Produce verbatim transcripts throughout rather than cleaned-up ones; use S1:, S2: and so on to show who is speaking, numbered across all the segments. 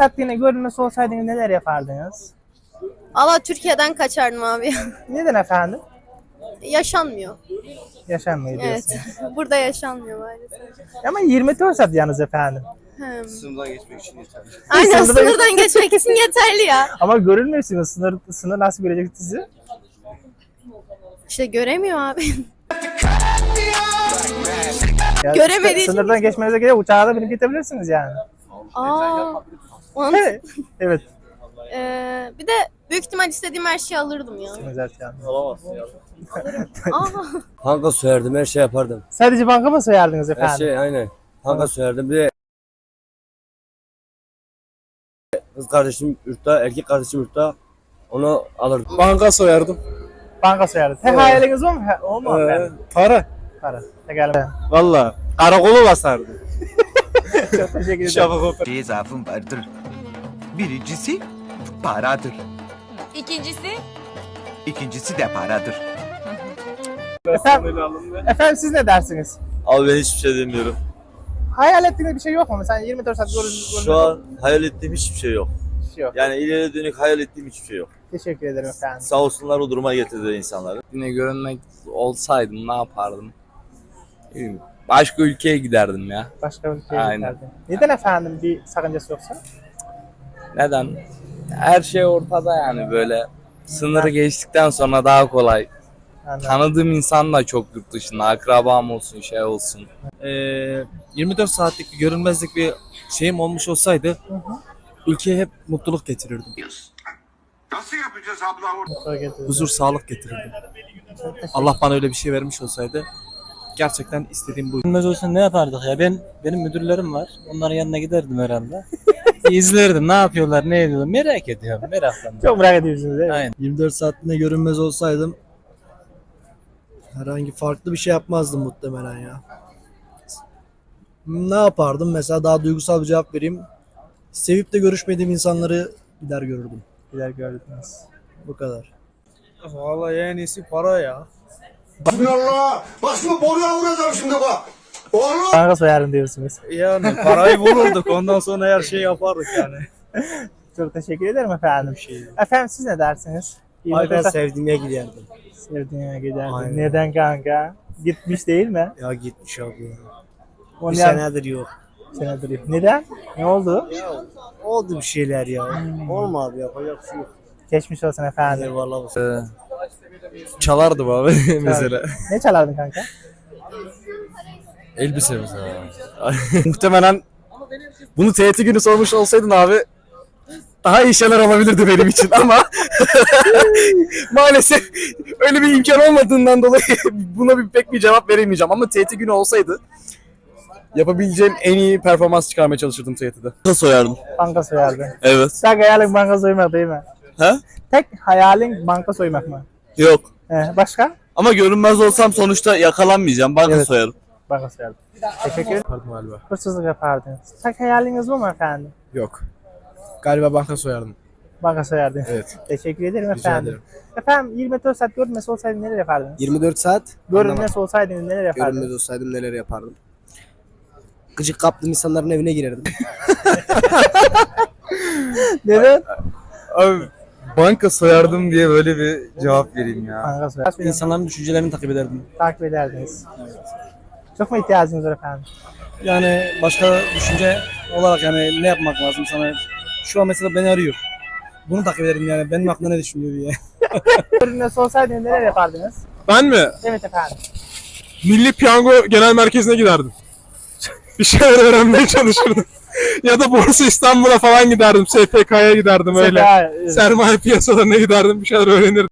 S1: saatliğine görünmesi olsaydınız neler yapardınız?
S2: Allah Türkiye'den kaçardım abi.
S1: Neden efendim?
S2: Yaşanmıyor.
S1: Yaşanmıyor
S2: Evet.
S1: diyorsunuz.
S2: Burada yaşanmıyor maalesef.
S1: Ama yirmi dört saat yalnız efendim.
S2: Hmm.
S3: Sınırdan geçmek için yeterli.
S2: Aynen
S1: Sınırda-
S2: sınırdan geçmek için yeterli ya.
S1: Ama görünmüyorsunuz. Sınır, sınır nasıl görecek sizi?
S2: İşte göremiyor abi.
S1: Ya
S2: Göremediği
S1: işte
S2: için-
S1: sınırdan geçmenize gerek uçağa da binip gidebilirsiniz yani.
S2: Aa. Onu-
S1: Evet. Evet.
S2: Ee, bir de büyük ihtimal istediğim her şeyi alırdım ya.
S1: Güzel yani.
S3: Olamazsın ya.
S2: Aa.
S4: Banka soyardım, her şey yapardım.
S1: Sadece banka mı soyardınız
S4: Her
S1: efendim?
S4: şey aynen. Banka soyardım. Bir de kız kardeşim yurtta, erkek kardeşim yurtta, onu alırdım.
S5: Banka soyardım.
S1: Banka soyardınız. Tek hayaliniz o mu? O mu
S5: Ee,
S1: efendim?
S5: para.
S1: Para. Pekala.
S5: Valla. Karakolu basardım.
S1: Çok teşekkür ederim.
S6: Bir zaafım vardır. Birincisi paradır.
S7: İkincisi
S6: İkincisi de paradır.
S1: Efendim, efendim siz ne dersiniz?
S3: Abi ben hiçbir şey demiyorum.
S1: Hayal ettiğiniz bir şey yok mu? Mesela yirmi dört saat görünmesi
S3: Şu an hayal ettiğim hiçbir şey yok.
S1: bir şey yok.
S3: Yani ileriye dönük hayal ettiğim hiçbir şey yok.
S1: Teşekkür ederim efendim.
S3: Sağ olsunlar o duruma getirdiler insanları.
S5: Yine görünmek olsaydım ne yapardım? Bilmiyorum. Başka ülkeye giderdim ya.
S1: Başka bir ülkeye
S5: Aynen.
S1: giderdim. Neden efendim bir sakıncası yoksa?
S5: Neden? Her şey ortada yani böyle. Sınırı geçtikten sonra daha kolay.
S1: Anladım.
S5: Tanıdığım insan da çok yurt dışında. Akrabam olsun, şey olsun.
S8: Ee, yirmi dört saatlik bir görünmezlik bir şeyim olmuş olsaydı
S1: Hı hı.
S8: ülkeye hep mutluluk getirirdim.
S1: Mutluluğa getirdiniz.
S8: Huzur, sağlık getirirdim. Allah bana öyle bir şey vermiş olsaydı gerçekten istediğim bu.
S9: Görünmez olsa ne yapardık ya? Ben benim müdürlerim var. Onların yanına giderdim herhalde. İzlerdim ne yapıyorlar, ne ediyorlar. Merak ediyorum, meraklandım.
S1: Çok merak ediyorsunuz değil mi?
S9: Aynen.
S10: yirmi dört saatliğine görünmez olsaydım herhangi farklı bir şey yapmazdım muhtemelen ya. Ne yapardım? Mesela daha duygusal bir cevap vereyim. Sevip de görüşmediğim insanları gider görürdüm.
S1: Güzel gördünüz.
S10: Bu kadar.
S5: Vallahi en iyisi para ya.
S11: Bismillah. Bak şimdi boruya vuracağım şimdi bak. Oğlum.
S1: Banka soyarım diyorsunuz.
S5: Yani parayı bulurduk ondan sonra her şeyi yapardık yani.
S1: Çok teşekkür ederim efendim. Efendim siz ne dersiniz?
S10: Ay ben
S1: yirmi dört
S10: sevdiğime giderdim.
S1: sevdiğine giderdim.
S10: Aynen.
S1: Neden kanka? Gitmiş değil mi?
S10: Ya gitmiş abi ya.
S1: Onu
S10: Bir
S1: yan-
S10: senedir yok.
S1: senedir yok. Neden? Ne oldu?
S10: Oldu bir şeyler ya. Olmadı yapacak bir şey yok.
S1: Geçmiş olsun efendim.
S10: Eyvallah olsun.
S8: Çalardım abi mesela.
S1: Ne çalardın kanka?
S8: Elbise mesela. Muhtemelen bunu T Y T günü sormuş olsaydın abi daha iyi şeyler olabilirdi benim için ama maalesef öyle bir imkan olmadığından dolayı buna bir pek bir cevap veremeyeceğim ama T Y T günü olsaydı yapabileceğim en iyi performans çıkarmaya çalışırdım T Y T'de.
S3: Banka soyardım.
S1: Banka soyardın.
S3: Evet.
S1: Tek hayalin banka soymak değil mi?
S3: He?
S1: Tek hayalin banka soymak mı?
S3: Yok.
S1: Ee, başka?
S3: Ama görünmez olsam sonuçta yakalanmayacağım. Banka
S1: Evet.
S3: soyarım.
S1: Banka soyardın. Teşekkür ederim.
S8: Pardon galiba.
S1: Hırsızlık yapardınız. Tek hayaliniz bu mu efendim?
S8: Yok. Galiba banka soyardım.
S1: Banka soyardınız.
S8: Evet.
S1: Teşekkür ederim
S8: Rica
S1: efendim.
S8: ederim.
S1: Efendim yirmi dört saat görünmesi olsaydı neler yapardınız?
S10: yirmi dört saat
S1: Görünmesi olsaydınız neler yapardınız?
S10: görünmez olsaydım neler yapardım? Gıcık kaptığım insanların evine girerdim.
S1: Neden?
S8: Abi banka soyardım diye böyle bir cevap vereyim ya.
S1: Banka soyardınız.
S9: İnsanların düşüncelerini takip ederdim.
S1: Takip ederdiniz. Çok mu ihtiyacınız var efendim?
S9: Yani başka düşünce olarak yani ne yapmak lazım sana? Şu an mesela beni arıyor. Bunu takip ederim yani. Benim aklımda ne düşünüyor diye.
S1: Görünmesi olsaydınız neler yapardınız?
S8: Ben mi?
S1: Evet efendim.
S8: Milli Piyango Genel Merkezi'ne giderdim. Bir şeyler öğrenmeye çalışırdım. Ya da Borsa İstanbul'a falan giderdim. S P K'ya giderdim öyle.
S1: Sefa, evet.
S8: Sermaye piyasalarına giderdim. Bir şeyler öğrenirdim.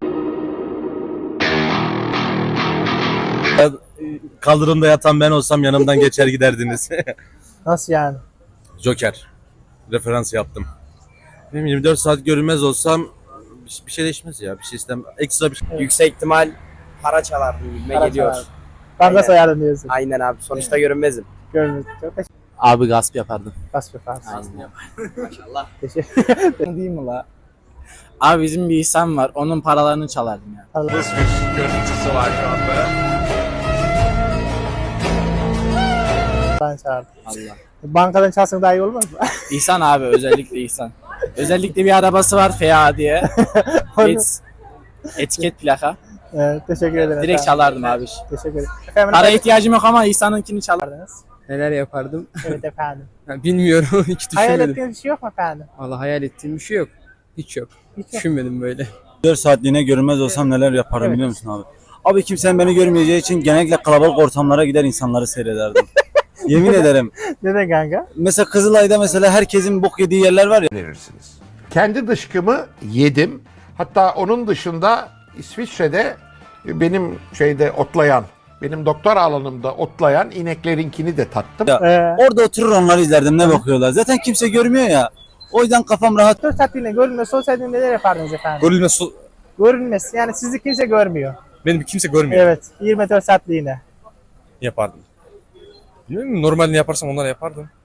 S3: Kaldırımda yatan ben olsam yanımdan geçer giderdiniz.
S1: Nasıl yani?
S3: Joker. Referans yaptım. Benim yirmi dört saat görünmez olsam bir şey değişmez ya. Bir şey istem. Ekstra bir şey.
S10: Yüksek ihtimal para çalardım gibime
S1: Para
S10: geliyor.
S1: çalardım. Banka
S10: Aynen.
S1: soyardın diyorsun.
S10: Aynen abi sonuçta görünmezim.
S1: Görünmesi. Çok teşekkür
S9: Abi gasp yapardım.
S1: Gasp yaparsın.
S10: Maşallah.
S1: Teşekkür ederim. Değil mi la?
S9: Abi bizim bir İhsan var. Onun paralarını çalardım ya.
S1: Allah.
S6: Görüntüsü var şu anda.
S1: Ben çağırdım.
S9: Allah.
S1: Bankadan çalsan daha iyi olmaz mı?
S9: İhsan abi, özellikle İhsan. Özellikle bir arabası var F A diye. Et, etiket plaka.
S1: Evet, teşekkür ederim.
S9: Direkt
S1: efendim.
S9: çalardım abi.
S1: Teşekkür ederim. Efendim,
S9: Para ihtiyacım yok ama İhsan'ınkini çalardım.
S7: Neler yapardım?
S1: Evet efendim.
S7: Bilmiyorum, hiç
S1: Hayal
S7: düşünmedim.
S1: ettiğiniz bir şey yok mu efendim?
S7: Vallahi hayal ettiğim bir şey yok. Hiç yok.
S1: Hiç yok.
S7: Düşünmedim böyle.
S4: dört saatliğine görünmez olsam neler yaparım
S1: Evet.
S4: biliyor musun abi? Abi kimsenin beni görmeyeceği için genellikle kalabalık ortamlara gider insanları seyrederdim. Yemin ederim.
S1: Neden kanka?
S4: Mesela Kızılay'da mesela herkesin bok yediği yerler var ya.
S11: Verirsiniz. Kendi dışkımı yedim. Hatta onun dışında İsviçre'de benim şeyde otlayan, benim doktor alanımda otlayan ineklerinkini de tattım.
S4: Ya,
S1: Ee,
S4: Orada oturur onları izlerdim ne bakıyorlar. Zaten kimse görmüyor ya. O yüzden kafam rahat.
S1: dört saatliğine görünmez olsaydın neler yapardınız efendim?
S8: Görülmez su-
S1: Görünmez. Yani sizi kimse görmüyor.
S8: benim kimse görmüyor.
S1: Evet. yirmi dört saatliğine.
S8: Yapardım. Bilmiyorum, normalini yaparsam onları yapardım.